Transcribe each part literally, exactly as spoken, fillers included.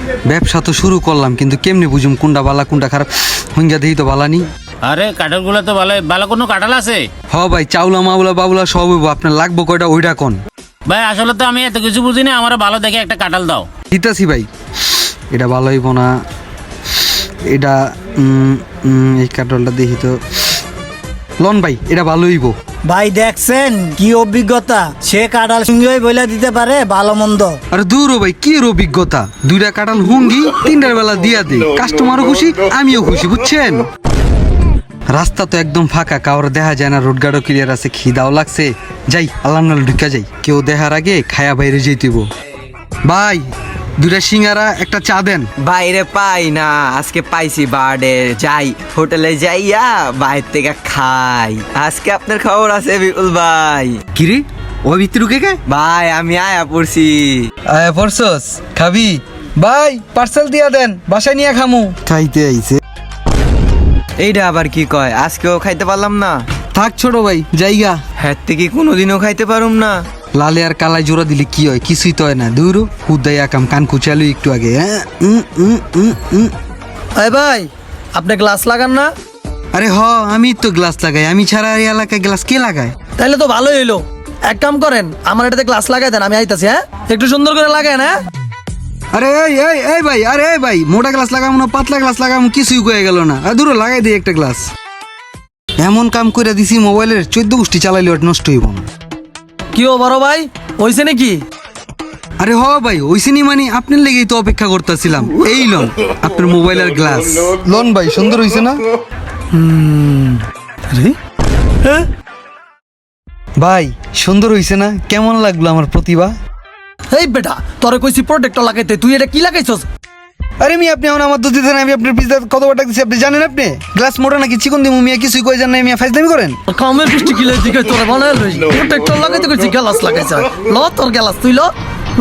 ব্যবসা তো শুরু করলাম, কিন্তু কেমনি বুঝুম কোনটা বালা কোনটা খারাপ? হুঙ্গা দেখি তো বালা নি। আরে কাঁঠালগুলো তো ভালো ভালো কোনো কাঁঠাল আছে? হ ভাই, চাউলা মাউলা বাবুলা সব হইব। আপনার লাগবো কয়টা ওইটা কোন? ভাই আসলে তো আমি এত কিছু বুঝি না, আমার ভালো দেখে একটা কাঁঠাল দাও। দিতাছি ভাই। এটা ভালো হইব না, এটা উম, উম, এই কাঁঠালটা দেখি তো। লন ভাই, এটা ভালো হইব। ভাই দেখছেন কি অভিজ্ঞতা, সে কাঁঠাল সিংহই বইলা দিতে পারে ভালো মন্দ। আরে দূর ও ভাই, কি এর অভিজ্ঞতা? দুইটা কাঁঠাল হুঙ্গি তিনটার বেলা দিয়া দে, কাস্টমারও খুশি আমিও খুশি, বুঝছেন? রাস্তা তো একদম ফাঁকা, কাউর দেখা যায় না, রোড গার্ডও ক্লিয়ার আছে। খিদাও লাগছে, যাই আল্লাহ নাল ঢুকা যাই, কেউ দেখার আগে খায়া বাইরে যেতেইব। ভাই দুইটা সিঙ্গারা একটা চা দেন। বাইরে পাই না, আজকে পাইছি বার্ডে, যাই হোটেলে যাইয়া বাইরে থেকে খাই। আজকে আপনার খবর আছে বিপুল ভাই? কিরে ওই ভিতরে কে কে? ভাই আমি আয়া পড়ছি। আয় পরছস, খাবি? ভাই পার্সেল দিয়া দেন, বাসায় নিয়ে খামু। খাইতে আইছে। এইটা আবার কি কয়, আজকেও খাইতে পারলাম না? থাক ছোট ভাই, জায়গা। হ্যাঁ থেকে কোনোদিনও খাইতে পারুম না। লালে আর কালাই জোড়া দিলে কি হয়? কিছুই তো হয় না। দূর হুদাই আকাম, কান কুচালু একটু আগে। হ্যাঁ উম, উম, উম, উম। এই ভাই আপনি গ্লাস লাগান না? আরে হ, আমি তো গ্লাস লাগাই, আমি ছাড়া এই এলাকায় গ্লাস কে লাগায়? তাইলে তো ভালোই হইলো। এক কাম করেন, আমার এটাতে গ্লাস লাগাই দেন, আমি আইতাছি। হ্যাঁ একটু সুন্দর করে লাগায় না। আরে এই এই এই ভাই, আরে এই ভাই, মোটা গ্লাস লাগাবো না পাতলা গ্লাস লাগাবো, কিছুই কয়ে গেল না। আর দূর লাগাই দিই একটা গ্লাস। এমন কাম করে দিছি, মোবাইলের চোদ্দ গোষ্ঠী চালাইলে ওটা নষ্ট হইব না। কি ও বড় ভাই, হইছে নাকি? আরে হ ভাই, ওইসিনি মানে আপনার লেগেই তো অপেক্ষা করতেছিলাম। এই লন আপনার মোবাইলের গ্লাস। লন ভাই, সুন্দর হইছে না? ভাই সুন্দর হইছে না? কেমন লাগলো আমার প্রতিভা? এই বেটা তোরে কইছি প্রোটেক্টর লাগাইতে, তুই এটা কি লাগাইছস? আরে মি আপনি এখন আমার দুধ দিতেন, আমি আপনার পিজ্জা কত টাকা দিচ্ছি আপনি জানেন? আপনি গ্লাস মোটা নাকি চিকন দিমু মিয়া, কিছুই কই জানেন না মিয়া, ফাইজলামি করেন। কামের বৃষ্টি কিলে দিকে তোরে বানাই লই, প্রোটেক্টর লাগাইতে কইছি গ্লাস লাগাইছ। ল তোর গ্লাস তুই ল ল।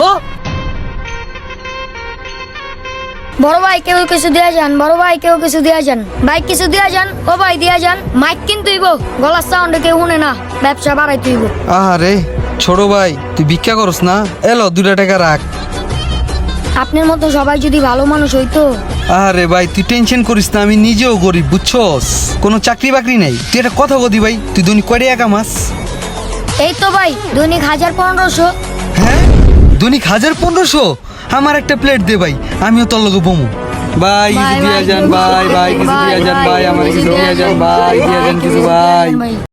বড় ভাই কেউ কিছু দিয়া যান, বড় ভাই কেউ কিছু দিয়া যান, ভাই কিছু দিয়া যান, ও ভাই দিয়া যান। মাইক কিন্তু ইব, গলার সাউন্ডে কেউ শুনে না, ব্যবসা বাড়াই তুইব। আরে ছোট ভাই, তুই ভিক্ষা করস না? এলো দুটা টাকা রাখ। আপনার মতো সবাই যদি ভালো মানুষ হইতো। আরে ভাই তুই টেনশন করিস না, আমি নিজেও গরিব বুঝছস, কোনো চাকরি বাকরি নাই। তুই একটা কথা বলি ভাই, তুই দৈনিক কয় টাকা কামাস? এই তো ভাই দৈনিক হাজার পনেরোশো। হ্যাঁ দৈনিক হাজার পনেরোশো? আমার একটা প্লেট দে ভাই, আমিও তোর লগে বমু। ভাই কিছু দিয়া যান, ভাই ভাই কিছু দিয়া যান, ভাই আমার কিছু দিয়া যান, ভাই দিয়া যান কিছু, ভাই।